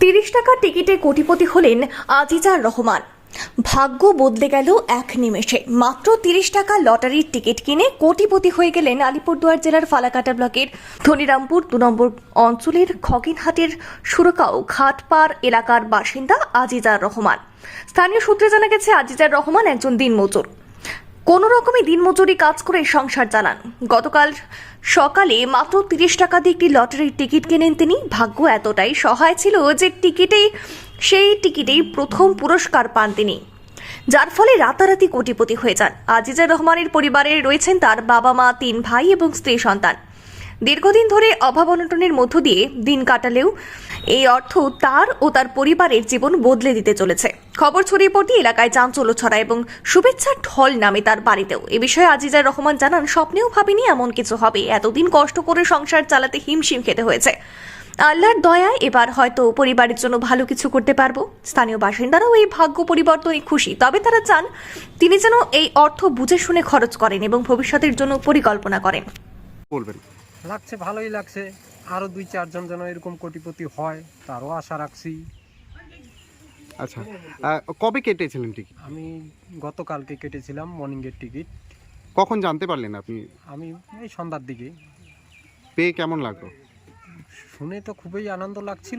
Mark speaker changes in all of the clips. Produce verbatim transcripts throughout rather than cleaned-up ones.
Speaker 1: তিরিশ টাকার টিকিটে কোটিপতি হলেন আজিজার রহমান। ভাগ্য বদলে গেল এক নিমেষে। মাত্র তিরিশ টাকা লটারির টিকিট কিনে কোটিপতি হয়ে গেলেন আলিপুরদুয়ার জেলার ফালাকাটা ব্লকের ধনিরামপুর দু নম্বর অঞ্চলের খগিনহাটের সুরকাও ঘাটপাড় এলাকার বাসিন্দা আজিজার রহমান। স্থানীয় সূত্রে জানা গেছে, আজিজার রহমান একজন দিনমজুর। কোনো রকমে দিনমজুরি কাজ করে সংসার চালান। গতকাল সকালে মাত্র তিরিশ টাকা দিয়ে একটি লটারির টিকিট কেনেন তিনি। ভাগ্য এতটাই সহায় ছিল যে টিকিটেই সেই টিকিটেই প্রথম পুরস্কার পান তিনি, যার ফলে রাতারাতি কোটিপতি হয়ে যান। আজিজার রহমানের পরিবারে রয়েছেন তার বাবা মা, তিন ভাই এবং স্ত্রী সন্তান। দীর্ঘদিন ধরে অভাব অনটনের মধ্য দিয়ে দিন কাটালেও এই অর্থ তার ও তার পরিবারের জীবন বদলে দিতে চলেছে। খবর ছড়িয়ে পড়তে এলাকায় চাঞ্চল্য ছড়ায় এবং শুভেচ্ছার ঢল নামে তার বাড়িতেও। এ বিষয়ে আজিজার রহমান জানান, স্বপ্নেও ভাবিনি এমন কিছু হবে। এতদিন কষ্ট করে সংসার চালাতে হিমশিম খেতে হয়েছে। আল্লাহর দয়ায় এবার হয়তো পরিবারের জন্য ভালো কিছু করতে পারবো। স্থানীয় বাসিন্দারাও এই ভাগ্য পরিবর্তনে খুশি, তবে তারা চান তিনি যেন এই অর্থ বুঝে শুনে খরচ করেন এবং ভবিষ্যতের জন্য পরিকল্পনা করেন।
Speaker 2: বলবেন
Speaker 3: লাগছে, ভালোই লাগছে। আরও দুই চারজন যেন এরকম কোটিপতি হয় তারও আশা রাখছি।
Speaker 2: আচ্ছা, আহ, কবে কেটেছিলেন টিকিট?
Speaker 3: আমি গতকালকে কেটেছিলাম মর্নিংয়ের টিকিট।
Speaker 2: কখন জানতে পারলেন আপনি?
Speaker 3: আমি এই সন্ধ্যার দিকে
Speaker 2: পেয়ে কেমন লাগলো?
Speaker 3: শুনে তো খুবই আনন্দ লাগছিল।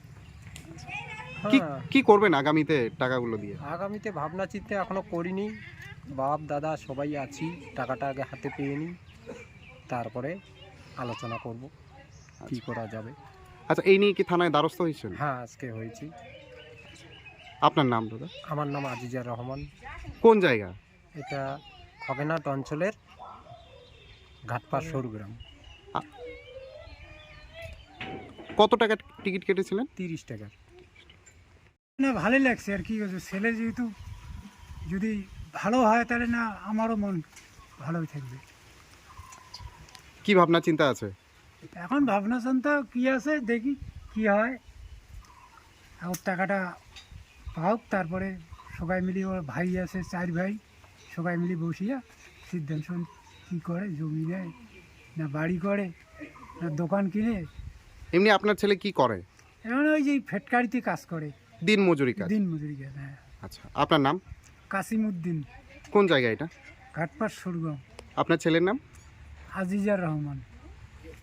Speaker 2: কি
Speaker 3: হ্যাঁ,
Speaker 2: কি করবেন আগামীতে টাকাগুলো দিয়ে?
Speaker 3: আগামীতে ভাবনা চিন্তা এখনো করিনি। বাপ দাদা সবাই আছি, টাকাটা আগে হাতে পেয়ে নিই, তারপরে আলোচনা করব কি করা যাবে।
Speaker 2: আচ্ছা, এই নিয়ে কি থানায় দ্বারস্থ হয়েছেন?
Speaker 3: হ্যাঁ, আজকে হয়েছি।
Speaker 2: আপনার নাম দাদা?
Speaker 3: আমার নাম আজিজার রহমান।
Speaker 2: কোন জায়গা?
Speaker 3: এটা খগেনহাট অঞ্চলের ঘাটপাড় সরুগ্রাম।
Speaker 2: কত টাকার টিকিট কেটেছিলেন?
Speaker 3: তিরিশ টাকার।
Speaker 4: না, ভালোই লাগছে আর কি করছে। ছেলে যেহেতু যদি ভালো হয় তাহলে না আমারও মন ভালোই থাকবে।
Speaker 2: কি ভাবনা চিন্তা আছে?
Speaker 4: এখন ভাবনা চিন্তা কী আছে, দেখি কি হয়। এখন টাকাটা পাওক, তারপরে সবাই মিলে, ওর ভাই আছে চার ভাই, সবাই মিলে বসিয়া সিদ্ধান্ত কী করে, জমি নেয় না বাড়ি করে না দোকান কিনে।
Speaker 2: এমনি আপনার ছেলে কি করে?
Speaker 4: এখন ওই যে ফেটকারিতে কাজ করে,
Speaker 2: দিন মজুরি কাজ।
Speaker 4: দিন মজুরি কাজ। হ্যাঁ।
Speaker 2: আচ্ছা, আপনার নাম?
Speaker 4: কাসিমউদ্দিন,
Speaker 2: কোন জায়গা এটা?
Speaker 4: ঘাটপাড় সরুগ্রাম।
Speaker 2: আপনার ছেলের নাম?
Speaker 4: আজিজার রহমান।